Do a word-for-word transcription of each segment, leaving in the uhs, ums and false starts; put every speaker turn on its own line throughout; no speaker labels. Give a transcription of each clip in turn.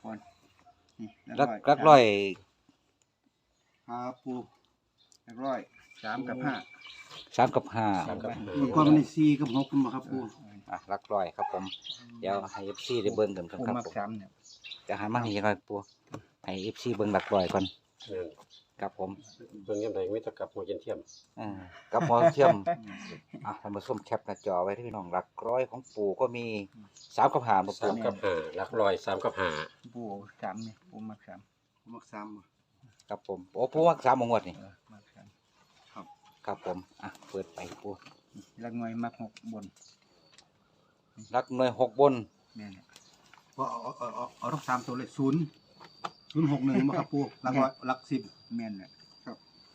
ก่อนนี่
ลักลักร้อย
หาปูลักร้อยสามกับห้า
สามกับห้า
สามกับห้า
มันก่อนมันนี่สี่กับหกคุณบ่ครับปู
อ่ะลักร้อยครับผมเดี๋ยวให้ เอฟ ซี ได้เบิ่งกันครับ
ปู
ครับ
มัก
ผม
สามเนี่ย
จะหันมานี่หน่อยปูให้ เอฟ ซี เบิ่งลักร้อยก่อน
เออ
ครับผม
เบิ่งยังไงไม่ตะกับหัวเย็นเทียม
อ่ากับหมอเทียมอ่ะท่านผู้ชมแคปหน้าจอไว้ที่พี่น้องลักร้อยของปู่ก็มีสามกับห้าบ่
สา
ปู่
มกับห้าหลักร้อยสามกับห้า
ปูสามเนี่ยปูมักสามปูมักสามบ่
ครับผมโอ้ปู่ว่าสามงวดนี่
เออมักสามครับ
ครับผมอ่ะเปิดไปปู่
ลักหน่วยมักหกบน
ลักหน่วยหกบน
แม่นพอเอาเอาเอาเอาทั้งสามตัวเลยศูนย์ศูนย์หกหนึ่งบ่ครับปูหลักร้อยหลักสิบแม่นเนี่ยครับ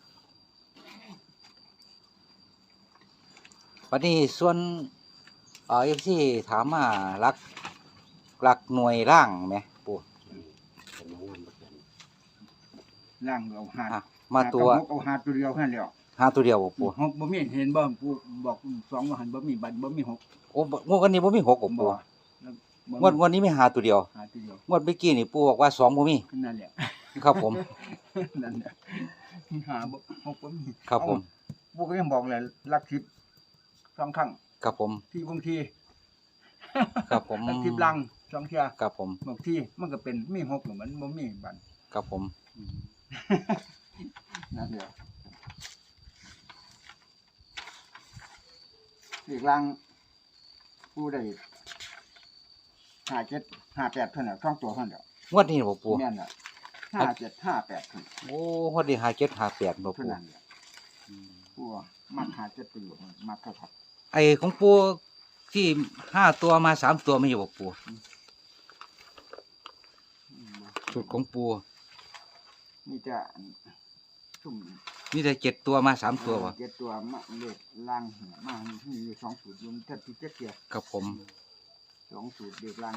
วันนี้ส่วนเอ่อ เอฟ ซี ถามมาลักลักหน่วยล่างไหมปู่
เป็นมางวนบ่เขียน
ล่างเอาหาด
อ่ะมาตัว
หกเอาหาดตัวเดียวแค่นั้นแหล้ว
ห้าตัวเดียวบ่
ปู
ปู่
หกบ่มีเห็นบ่ปูบอกสองว่าหันบ่มีบัตรบ่มีหก
โอ้บ่งวดวันนี้บ่มีหกบ่
บ่
ปู่
แล้วบ่
งวดงวดนี้มีห้าตัวเดียว
หาตัวเดียว
งวดเมื่อกี้นี่ปู่บอกว่าสองบ่มี
นั่นแหละ
ครับผม
นั่นแหละหาบ่หกบ่มี
ครับผม
เอ้าปูก็ยังบอกเลยลักทิพย์สองครั้ง
ครับผม
ที่บางที
ครับผม
ลักทิพย์ลังสองเที่ย
ครับผม
บางทีมันก็เป็นมีหกหรือมันบ่มีบัตร
ครับผม
นั่นเดียวอีกลังปูได้ห้าเจ็ดห้าแปดเท่านั้นสองตัวเท่านั้นเดียว
งวดนี้บ่ปู่
แม่นอ่ะห้าเจ็ดห้าแปดเท่านั้น
โอ้งวดนี้ห้าเจ็ดห้าแปดบ่
เท่า
ปู่
นั้นเดียวปูมักหาเจ็ดประโยชน์มักเท่าครับ
ไอ้ของปู่ที่ห้าตัวมาสามตัวไม่อยู่บ่ปู่สูตรของปู่
นี่จะชุ่ม
มีแต่เจ็ดตัวมาสามตัวบ่
เจ็ดตัวมาเล็กล่างหัวมามีอยู่สองสูตรรวมแทบที่เจ็ดเกียร์
ครับผม
สองสูตรเด็กล่าง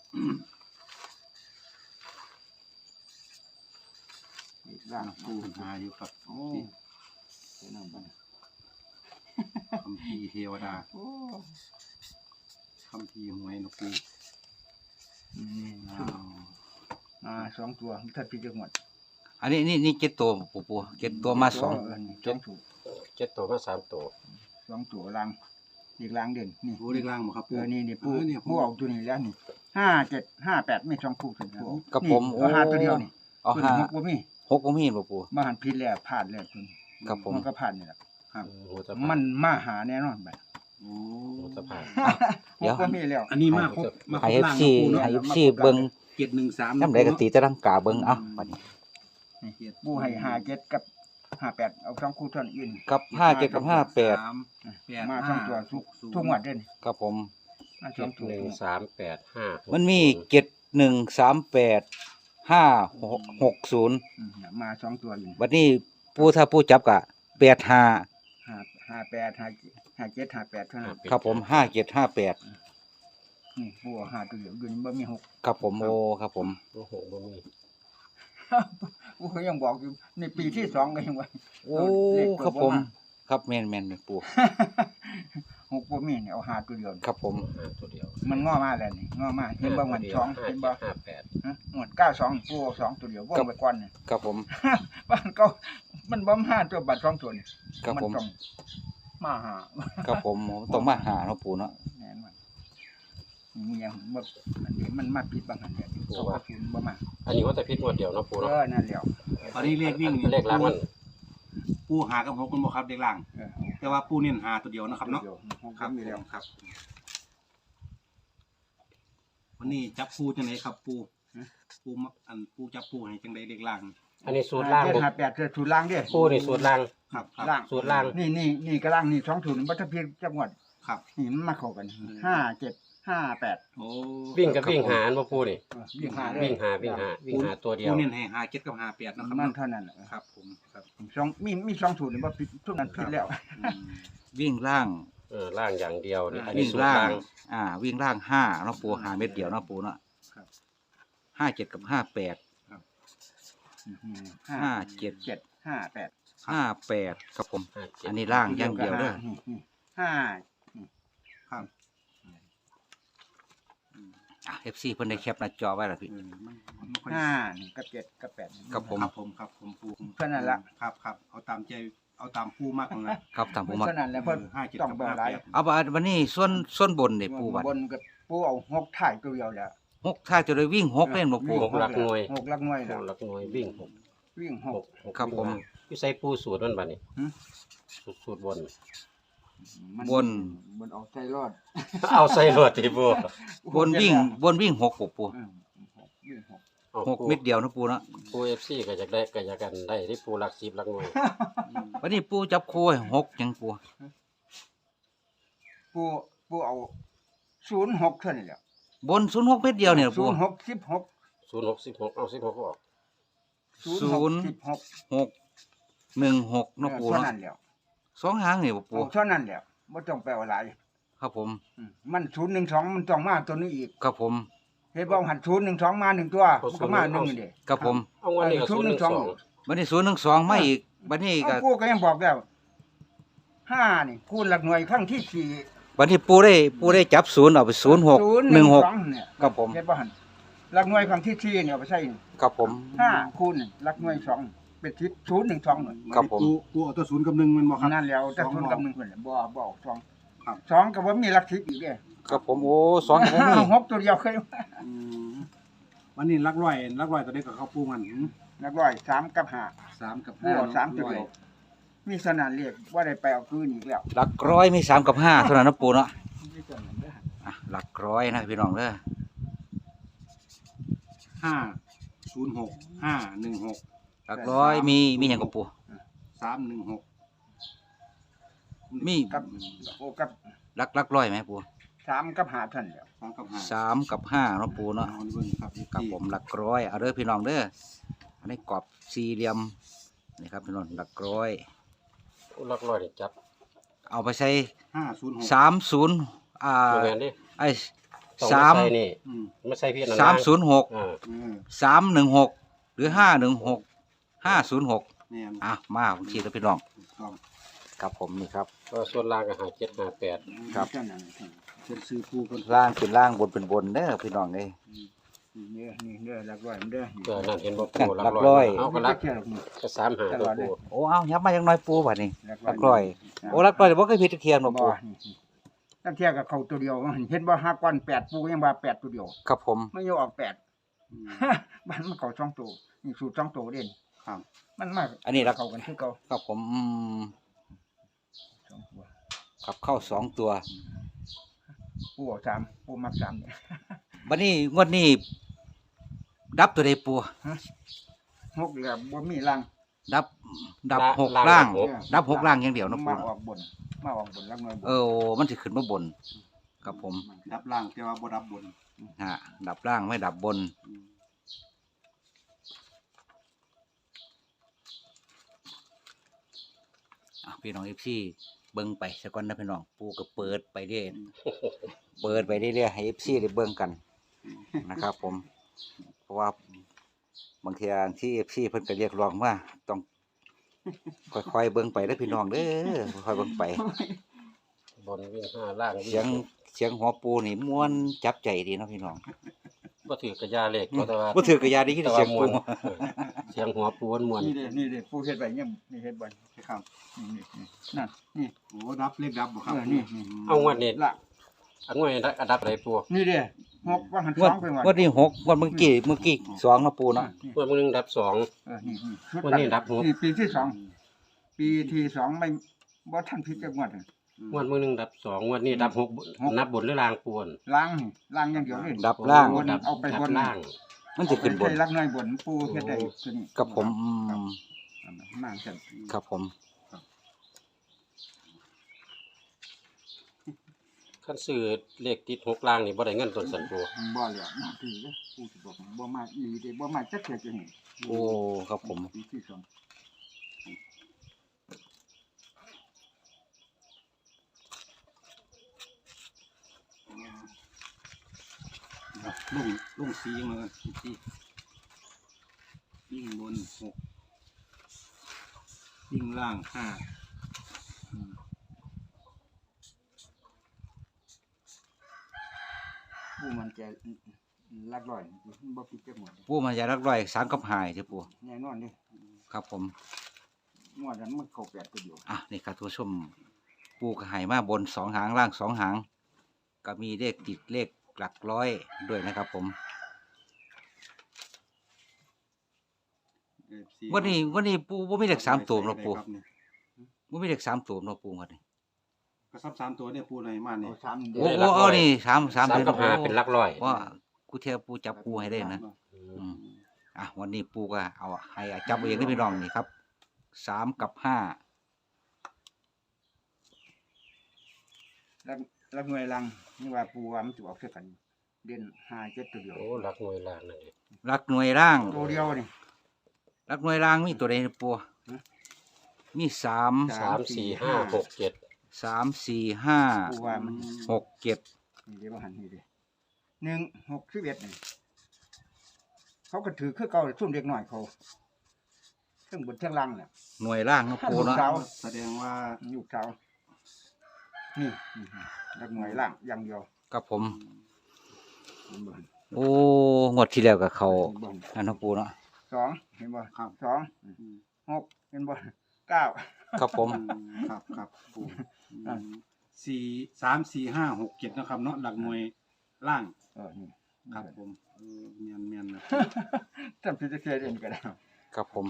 เด็กล่างปูหาอยู่ครับโอ้เจ้านั่นบ้าง
คำพีร์เทวดา
โอ้
คำพีร์หวยนกปู
นี่ชุ่มอ่าสองตัวแทบที่จะหมด
อันนี้นี่นี่เจ็ดตัวบ่ปู่เจ็ดตัวมาสอง
เนี่สองสูตร
เจ็ดตัวมาสามตัว
สองตัวล่างเด็กล่างเด่นนี่
ปูเล็กล่างบ่ครับ
เออนี่นี่ปู
เออเนี่ย
ปูเอาตัวนี้แล้วนี่ห้าเจ็ดห้าแปดไม่สองคู่ถึงปู
กับผม
นี่เอาห้าตัวเดียวนี่
เอา
ตัว
ห้า
หกบ่มี
หกบ่มีบ่ปู่
มาหันผิดแล้วพลาดแล้วคุณ
ครับผม
มันก็พลาดนี่แหละ
ครับ
หัวตะ
มันมาหาแน่นอนไป
โอ้
หัวตะพาน
เดี๋ยว
ก็มีแล้ว
อันนี้มาครบมาคร
ให้
บ
เอฟ
ล่าง
ซี
นกปูเนาะ
ให้เอฟซีเบิ่ง
เจ็ดหนึ่งสาม
น้ำใดก็ตีแต่ร่างกาเบิ่งเอ้าบัดนี้
ปูให้หาเจ็ดกับห้าแปดเอาสองคู่เท่านั้นอื่น
กับห้าเจ็ดกับห้าแปด
สามแปด
มาสองตัวทุก
ศูนย์
ทุกงวดเด่น
ครับผม
มาส
เจ็
อง
ด
ตัว
หนึ่งสามแปดห้าหก
มันมีเจ็ดหนึ่งสามแปดห้าหกศูนย์
อืมมาสองตัวอยู่
บัดนี้ผู้ถ้าผู้จับกะแปดห้า
ห้าห้าแปดห้าห้าเจ็ดห้าแปดเท่านั้น
ครับผมห้าเจ็ดห้าแปด
นี่ปูเอาหาตัวเดียวอยู่นี่บ่มีหก
ครับผมโอ้ครับผม
โอ้โหบ่มี
ปูเขายังบอกอยู่ในปีที่สองก็ยังว่า
โอ้
เลข
ครับ
เปิด
ผม
บ่มา
ครับแม่นแม่นแม่นปู
หกบ่มีเนี่ยเอาหาตัวเดียว
ครับผม
ห้าตัวเดียว
มันง้อมาแล้วนี่ง้อมาเห็นบ่มันสอง
ห้า
เห็น
เจ็
บ่
ดห้าแปด
ฮะหมวดเก้าสองปูเอาสองตัวเดียวว่องไปก่อนนี่
ครับผม
บ้านก็มันบ่มาตัวบัตรสองตัวนี่
ครับผม
นต้องมาหา
ครับผมผมต้องมาหาเนาะปูเนาะ
แน่นอนมีอย่างบ่อันนี้มันมาผิดบางอันเดียวเขาก็ศูนย์บ่มา
อันนี้ว่าแต่พิษงวดเดียวเนาะปู
เอ
เนาะ
อนั่นแล้ว
ตอนนี้เลขวิ่งนี่
เลขล้างมัน
ปูหากับหกมันบ่ครับเลขล่าง
เออ
แต่ว่าปูเน้นหาตัวเดียวนะครับเนาะ
ดี๋ยวหก
ครับ
มีแล้ว
ครับ วันนี้จับปูจังไดครับปูปูมาอันปูจับปูให้จังไดเลขล่าง
อันนี้สูตรล่าง
เจ็ด
บ่
ห้าแปดเจ็ดสูตรล่างเด้
ปูนี่สูตรล่าง
ครับครับ
ล่าง
สูตรล่าง
นี่นี่นี่ก็ล่างนี่สองสูตรบ่ทันเพียงจังหวัด
ครับ
นี่มันมาเข้ากัน
อืม
ห้าเจ็ดห้าแปด
โอ้
วิ่งกับวิ่งหารบ่ปูนี่
เออวิ่งหาเลย
วิ่งหาวิ่งหาวิ่งหาตัวเดียว
ปูเน้นให้หาเจ็ดกับหาแปดนะครับ
มัน
เนาะ
เท่านั้นแหละ
ครับผมครับ
สองมีมีสองสูตรนี่บ่ผิดทุกนั้นผิดแล้ว
อืม
วิ่งล่าง
เออล่างอย่างเดียวนี่อันนี้
วิ่ง
สูตร
ล่าง
ล่าง
อ่า วิ่งล่างห้าเนาะปูหาเม็ดเดียวเนาะปูเนาะ
ครับ
ห้าเจ็ดกับห้าแปด
ห้า
ห้าเจ็ด
เจ็ดห้าแปด
ห้าแปดครับผม
ห้าเจ็ด
อันนี้ล่างอย่างเดียวเด้อ
นี่นี่ห้า
ครับ
อ่ะ เอฟ ซี เพิ่นได้แคปหน้าจอไว้แล้วพี่
เออมันมันไม่ค่อย
ห้านี่กับเจ็ดกับแปดนี่
ครับผม
ครับผมครับผมปู
เท่านั้นละ
ครับครับเอาตามใจเอาตามปูมากกว่านั้น
ครับทางผมมา
เท่านั้นแหละเพิ่น
ห้าเจ็ด
ต้อง
กับ
เบิ่ง
ห้า
หลาย
แปด
เอาบัดวันนี้ส่วนส่วนบนนี่ปูบัด
บนกับปูเอาหกถ่ายตัวเดียวแล้ว
หกถ้าจะได้วิ่งหกเล่นบ่ปู
หกหลักหน่วย
หกหลักหน่วย
ห
แล้ว
กหลักหน่วยวิ่งหก
วิ่งห
ห
ก
กหก
ครับผม
อยู่ใส่ปูสูตรมันบัดนี้
หืม
สูตรสูตรบน
มัน
บน
บนเอาใจรอด
เอาใส่รถที่ปู
บนวิ่งบนวิ่งหกบ่ปู
อืมหกวิ่งหก
เอา
หก
ปู
เม็ดเดียวนะปูเนาะ
ปู เอฟ ซี ก็อยากได้ก็อยากกันได้ที่ปูหลักสิบหลักหน่วย
วันนี้ปูจับคู่ให้หกหยังปู
ปูปูเอาศูนย์หกเท่านี้แหละ
บนศูนย์หกเม็ดเดียวเนี่ย
ศู
ปู
นย์หกสิบหก
ศูนย์หกสิบหกเอาสิบหกออก
ศูนย์หกสิบหก
หกหนึ่งหกเนาะปู
เท่า
เนาะ
นั้นแล้ว
สองหางนี่บ่ปู
เอาเท่านั้นแล้วบ่ต้องไปเอาหลาย
ครับผม
อืมมันศูนย์หนึ่งสองมันต้องมาตัวนี้อีก
ครับผม
เฮ็ดบ่หันศูนย์หนึ่งสองมาหนึ่งตัวมันก็มาหนึ่งนี่เด้
ครับผม
เอาวันนี้ก็
เออศู
ศู
น
น
ย์
ย์
ห
ห
นึ่
นึ่
ง
ง
ส
ส
อ
อง ง
วันนี้ศูนย์หนึ่งสองมาอีกวันนี้ก็
เอากูก็ยังบอกแล้วห้านี่คูณหลักหน่วยครั้งที่สี่
วันที่ปูได้ปูได้จับศูนย์เอาไปศูนย์หกหนึ่งหก
เนี่ย
ครับผม
เฮ็ดบ่หันหลักหน่วยครั้งที่สี่เนี่ยเอาไปใส่
ครับผม
ห้าคูณหลักหน่วยสองเป็นทิศศูนย์หนึ่งสองหน่อย
ครับผม
ปูปูเอาตัวศูนย์กับหนึ่งมันบอกครับ
นั่นแล้วแต่
สอง
ศูนย์
บ่
กับหนึ่งเพิ่นแหละบ่บ่เอาสอง
ครับ
สองก็บ่มีหลักทิศอีกเด้
ครับผมโอ้สองผมมี
หกตัวเดียวเคย
อืมวันนี้รักร้อยรักร้อยตัวนี้กับเขาปูมันหืม
หลักร้อยสามกับห้า
สามกับ
ปู
ห้า
เอาสามตัว
ร้อย
เดียวมีสนานเรียกว่าได้ไปเอาคืนอีกแล้ว
หลักร้อยมีสามกับห้าเท่านั้นนะปูเนาะ
มีส่วนนั้นเด้อ
อ่ะหลักร้อยนะพี่น้องเด้อ
ห้าศูนย์หกห้าหนึ่งหก
หลักร้อยมีมีอย่างกับปู
สามหนึ่งหก
มี
กับโอ้กับ
หลักหลักร้อยไหมปู
สามกับห้าเท่านนแหล้ว
สามกับห้า
สามกับห้าเนาะปูเนาะ
เอาเบิ่งครับ
ครับผมหลักร้อยเอาเด้อพี่น้องเด้ออันนี้กรอบสี่เหลี่ยมนี่ครับพี่น้องหลักร้อย
หลักร้อยนี่จับ
เอาไปใส่
ห้าศูนย์หก
สามศูนย์อ่า
โรงงานดิ
ไอ้
ต้อง
สาม
ใส่นี่
อืม
ไม่ใส่พี่นั่น
สามศูนย์หก
อ่า
เออ
สามหนึ่งหกหรือห้าหนึ่งหกห้าศูนย์หก
แม่น
อ่ะมาผมชี้แล้วพี่น้อง
ถูกต้อง
ครับผมนี่ครับ
ก็ส่วนล่างก็หาเจ็ดหาแปด
ครับ
เท่านั้น
เป็นซื้อปูคน
ล่างเป็นล่างบนเป็นบนเด้อพี่น้องเอ้ย
นี่นี่เด้อหลักร้อยมันเด้อ
เพื่อนั่นเห็นบ่ปู
หลักร้อย
เอาก็
มัน
หลั
ก็
ก
เกี่ยวกับนี่
ก็สามหาตัวปู
โอ้เอายับมาอย่างน้อยปูบัดนี้
หลัก
หลักร้อยโอ้หลักร้อยเดี๋ยวบ่เคยผิดเทียมหรอก
บ่
ปู
นี่ตั้งเที่ยกับเขาตัวเดียวเห็นบ่ห้าก้อนแปดปูยังว่าแปดตัวเดียว
ครับผม
ไม่ยอมออกแปด
อืม
มันมันเขาสองตัวนี่สูตรสองตัวเด่น
ครับ
มันมาก
อันนี้หลัก
เขากันคือเก่า
ครับผมอืม
สองตัว
ขับเข้าสองตัว
ปูเอาสามปูมักสามเนี่ย
บัดนี้งวดนี้ดับตัวใดปู
หกเหลือบ่มีรัง
ดับดับหก
ล่า
ล่าง ง
หก
ดับหกล่างอย่างเดียวเนาะปู
มา
เนาะ
ออกบนมาออกบนรักน้อยบน
เออมันสิขึ้นมาบนครับผม
ดับล่างแต่ว่าบ่ดับบน
ฮะดับล่างไม่ดับบน
อืม
อ่ะพี่น้องเอฟซีเบิ่งไปสักวันนะพี่น้องปูก็เปิดไปเรื่อยเปิดไปเรื่อยๆให้เอฟซีได้เบิ่งกันนะครับผม เพราะว่าบางทีที่เอฟซีเพิ่นก็เรียกร้องว่าต้องค่อยๆเบิ่งไปเด้อพี่น้องเด้อค่อยๆเบิ่งไป
บนวิ่งห้าล่างวิ่
เสียง
หก
เสียงหัวปูนี่ม่วนจับใจดีเนาะพี่น้อง
บ่ถือกระยาเหล็กก็แต่ว่า
บ่ถือกระยาดีที่
แต่
เสี
ว่าย
ง
ม
ปู
วนเออเสียงหัวปูนมวน
นี่เด้นี่เด้ปูเฮ็ดไว้ยังนี่เฮ็ดไว้
ครับ
นี่นี่นี่นั่นนี่
โอ้ดับเลขดับบ่ครับ
เออนี่นี่
เอางวดนี้
ละ
อันงวดนี้อันดับอะไรปู
นี่เด้หกว่าหัน
ง
ส
ว
อ
ด
งไปว่า
งวดนี้หกงวดเมื่อกี้เมื่อกี้สองเนาะปูเนาะ
งวดมื้อนึงดับสอง
เออนี่นี่ชุด
วันนี้ดับหก
นี่ปีที่สองปีที่สองไม่บ่ทันพิจารณา
งวดมื้อนึงดับสองงวดนี้ดับหก
หก
นับบนหรือล่างปูน
ล้างนี่ล้างอย่างเดียวเลย
ดับล่าง
บนเอาไปบน
ดัล่าง
มันจะขึ้นบน
ใส่รักน้อยบนปูเฮ็ดได้ตัวนี้
กับผมอืม
มากจัง
ครับผม
คันซื้อเลขติดหกล่างนี่บ่ได้เงินต้นสันปู
บ่เหลือมาถือเด้อปูสิบอกบ่มาอีเด้บ่มาจักเทื่อจะเห็น
โอ้ครับผม
ปีที่สอง
ลุงลุงสีมาสีวิ่งบนหกวิ่งล่างห้าอืม
ปูมันจะลักร้อยบ่ผิดจักหมด
ปูมันจะรักร้อยสามกับหายเด้อปู
แน่นอนเด้
ครับผม
งวดนั้นมันเข้าแปดตัวเดียว
อ่ะนี่ครับทุกผู้ชมปูก็ใหายมาบนสองหางล่างสองหาง ก็มีเลขติดเลขหลักร้อยด้วยนะครับผม
เอฟซี
วันนี้วันนี้ปูว่ามีเลขสามตัวเนาะปู
ครับนี่
ว่ามีเลขสามตัวเนาะปูวันนี้
ก็ซับสามตัวเนี่ยปูในมา
เอา
เนี่ย
สาม
โอ้โอ้เอานี่สามสาม
สาม
เลย
กับห้าเป็นหลักร้อย
ว่ากูเทียบปูจับปูให้ได้นะ
อื
อื
ม
มอ่ะวันนี้ปูก็เอาให้จับเองได้พี่น้องนี่ครับสามกับห้า
ลักลักหน่วยลังนี่ว่าปูว่ามันสิออกเท่ากัน เด่นห้าเจ็ดตัวเดียว
โอ้หลักหน่วยล่างนั่นเอง
รักหน่วยร่าง
ตัวเดียวนี่
รักหน่วยร่างมีตัวใดนะปูมีสาม
สามสี่ห้าหกเจ็ด
สามสี่ห้า
ปูว่ามัน
หกเจ็ด
นี่เดี๋ยวมาหันนี่เด้หนึ่งหกสิบเอ็ดนี่เขาก็ถือคือเก่าซุ่มเด็กหน่อยเขาเทั้งบนเทั้งล่างน่ะ
หน่วยร่างเนาะปูเนาะ
สาว
แสดงว่า
อยู่เสานี่นี่ลักหน่วยล่างอย่างเดียว
กับผม
เห็นบ่
โอ้งวดที่แล้วกับเขา
เห็นบ่
อันเนาะปูเนาะ
สองเห็นบ่
ครับ
สองหกเห็นบ่เก้า
ครับผม
อืมครับครับปู
อ่า
สี่สามสี่ห้าหกเจ็ดนะครับเนาะหลักหน่วยล่าง
เออนี่
ครับผมเออเมียนเมียนนะ
จำพิจารณาเองก็ได้
ครับผม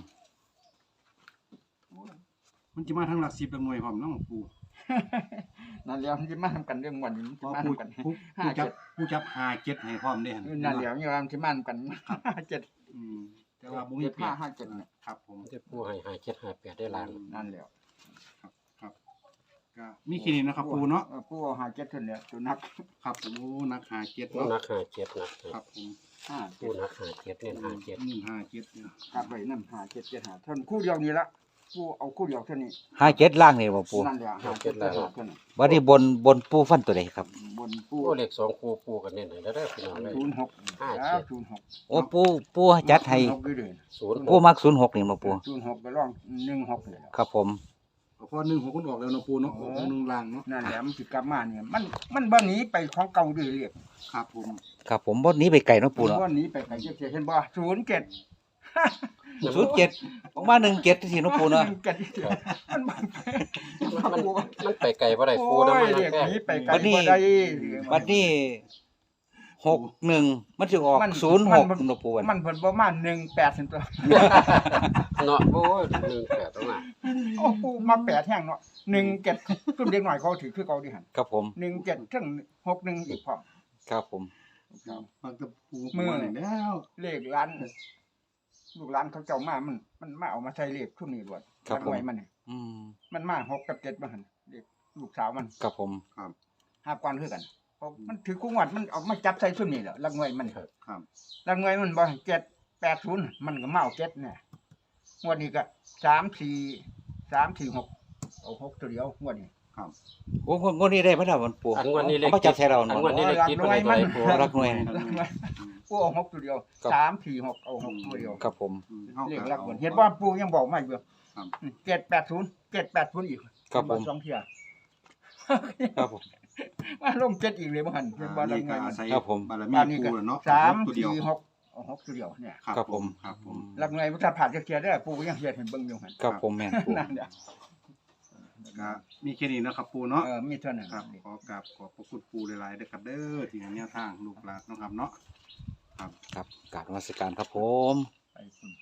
มันจะมาทั้งหลักสิบหลักหน่วยพร้อมเน้องปู
นั่นแล้วมันจะมาทำกันเรื่องวันนี้มัน
เพ
จะ
ราะ
มา
ปู
ทำกัน
ปู
ห้า
ปูจั
เจ็
บ
ด
ปูจับหาเจ็ดให้พร้อมเด้หั่น
นั่นแล้วนี่ว่ามันจะมาทำกันห้าเจ็ด
อืมแต่ว่าบ่มี
เจ็ด
เปลี่
ห้าย
น
ห้าเจ็ดเนี่ย
ครับผม
จะปูให้ห้าเจ็ดห้าแปดได้ล่าง
นั่นแล้ว
ครับครับก็มีแค่นี้นะครับปูเนาะ
ออปูเอาห้าเจ็ดเท่านี้ตัวนัก
ครับผมโอ้นักหาเจ็ด
ปู
เนาะ
นักห้าเจ็ดนัก
ครับผม
ห้า
ปูนักห้าเจ็ดเน้นห้าเจ็ด
หนึ่งห้าเจ็ดเนี่ย
กลับไปนั่นห้าเจ็ดเจ็ดห้าเท่านั้นคู่เดียวนี้ละปูเอาคู่เดียวเท่านี้
ห้าเจ็ดล่างนี่บ่ปู
นั่นแหละห้าเจ็ดเจ็ดห้าเท่านั้น
วันนี้บนบนปูฟันตัวใดครับ
บนปู
ปูเลขสองปูปูกันเน้นให้แล้วได้อพี่น้องเลย
ศูนย์หก
ห้าเจ็ด
แล้วศูนย์หก
โอ้ปูปูจัดให้
ศูนย์หกอยู่เลย
ศูนย์
ปูมักศูนย์หกนี่มาปู
ศูนย์หกไปร่องหนึ่งหกเลย
ครับผม
พอหนึ่งหกคนออกแล้วเนาะปูเนาะออกหนึ่งล่างเนาะ
นั่นแหละมันสิกลับมาเนี่ยมันมันบ่หนีไปของเก่าดื้อเรียก
ครับผม
ครับผมบนนี้ไปไก่เนาะปูเนาะ
บ่หนีไปไกลเจ็ดเห็นบ่ศูนย์เจ็ด
ศูนย์เจ็ดออกมาหนึ่งเจ็ดที่เนาะปูเนาะ
เจ็ดมันมัน
มันมันไปไกลบ่ได้ปู
โอ้
นะมัน
ยเรียก
แค่
หนีไปไกลบ่ได้
วันนี้หกหนึ่งมันจะออก
มัน
ศูนย์หก
มัน
เนาะปูวัน
มันเพิ่นประมาณหนึ่งแปดสิตัว
เนาะโอ้ยหนึ่งแปดต้องมา
โอ้ปูมาแปดแห้งเนาะหนึ่งเจ็ดซุ่มเด็กหน่อยเขาถือคือเขาดิหั่น
ครับผม
หนึ่งเจ็ดถึงหกหนึ่งอีกพร้อม
ครับผม
ฟังกับปู
มือ
มาแล้ว
เลขร้านลูกร้านเขาเจ้ามามัน มันมาเอามาใช้เลขชุดนี้ด้วยรักไว้มันนี่
อืม
มันมาหกกับเจ็ดมาหั่นเลขลูกสาวมัน
ครับผม
ห้ากวนคือกันเพราะมันถือคู่งวดมันเอามาจับใส่ชุดนี้แหละรักไว้มัน
ครับ
รักไว้มันบ่เจ็ดแปดศูนย์มันก็มาเอาเจ็ดเนี่ยงวดนี้ก็สามสี่สามสี่หกเอาหกตัวเดียวงวดนี้
โอ้งวดนี้ได้ไหมล่ะวันปู
อันวันนี้เล
เอา
ข
มาจับใส่เรา
อัน
เนาะ
วันนี้เลขติดบ่ได้ตัวใดปู
รักหน่วย
รักไว้ปูเอาหกตัวเดียว
ครับ
สามสี่หกเอาหกตัวเดียว
ครับผม
อืมอา
เลข
ก็
รัก
อา
ไว้เห็นว่าปูยังบอกไม่เบื่อ
ครับ
เจ็ดแปดศูนย์เจ็ดแปดศูนย์อีก
ครับผม
สองเที่ย
ครับผม
ว่าลงเจ็ดอีกเลยบ่หันเป็นบ่
อ่า
รั
นี่
ก
ก็
ไว้
อาศัย
ครับผม
บารมี
บ้านนี้
ปู
ก็
แล้วเนาะ
สาม
ตัวเดียว
สี่หกเอาหกตัวเดียวเนี่ย
ครับผม
ครับผม
รักไว้ถ้าผ่านจะเทียได้อปูยังเทียเห็นเบิ่งอยู่หัน
ครับผมแม่นปู
นั่นเด้อ
ก็มีแค่นี้เนาะครับปูเนาะ
เออมีเท่านั้น
ครับขอกราบขอบพระคุณปูหลายๆเด้อครับเด้อที่ให้แนวทางลูกหลานเนาะครับเนาะ
ครับกรารนมัสการครับผม
ไปคุณ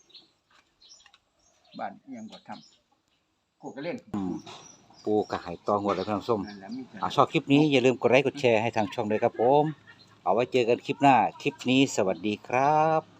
บ้านเอียงก็ทำกูก็เล่น
อืมปูกระหายตองหัวแล้วพี่น้องส้ม
นั่นแหละมีเท่า
อ่า
นั้น
ชอบคลิปนี้อย่าลืมกดไลค์กดแชร์ให้ทางช่องด้วยครับผม เอาไว้เจอกันคลิปหน้า คลิปนี้สวัสดีครับ